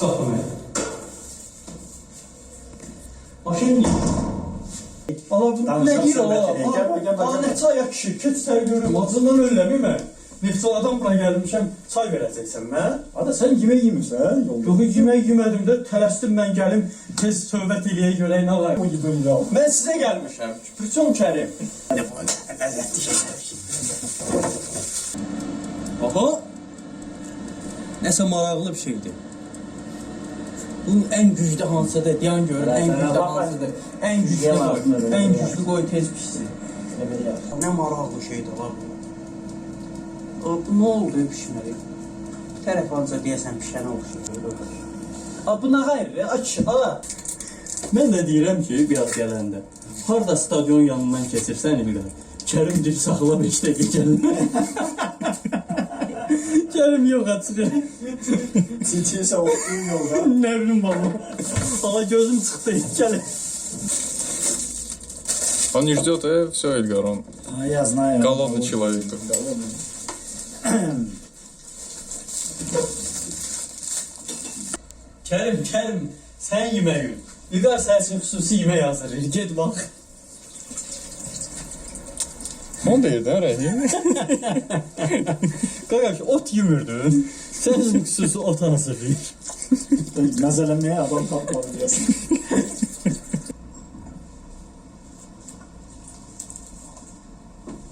qapını. Maşın Allah bu ne deyir Allah? Ne çay yakışı, keç sər görürüm, acından ölləmi mən. Neftçaladan bura gəlmişəm, çay verəcəksən mən. Ada sen yemek yemişsən yolda. Yox, yemək yemədim də, tələsdim mən gəlim, tez söhbət eləyə görək nə var. O gidiyor ya. Mən sizə gəlmişəm, Küpürçon Kərim. Aha, nəsə maraqlı bir şeydir. Bunun ən güclü hansıdır, deyən görür, ən güclü hansıdır. Ən güclü qoy, ən güclü qoy tez pişsin. Nə maraqlı şeydir var bu. Bu nə oldu pişməli? Bir tərəf ancaq deyəsən pişənə oxşayır. Bu nə qayır? Aç, ala. Mən də deyirəm ki, biraz gələndə. Harada stadion yanından keçirsən İlqar. Kərim deyir, saxla 5 dəqiqə gəlin. Kərim yox açıq. Çiçeğse oturuyor yolda. Nə bilim baba. Ala gözüm çıxdı, gəlin. Он не ждет, все, Эльгар, он А я знаю. голодный человек. Голодный. Kərim, sən yemək yün. İlqar sənin üçün xüsusi yemək hazırlayır. Get bax. Он değil de Rəhim. Qaqaş, ot yemirdin. Sənin üçün xüsusi ot hazırlayır. Mezelemeye adam tapmadı diyorsun.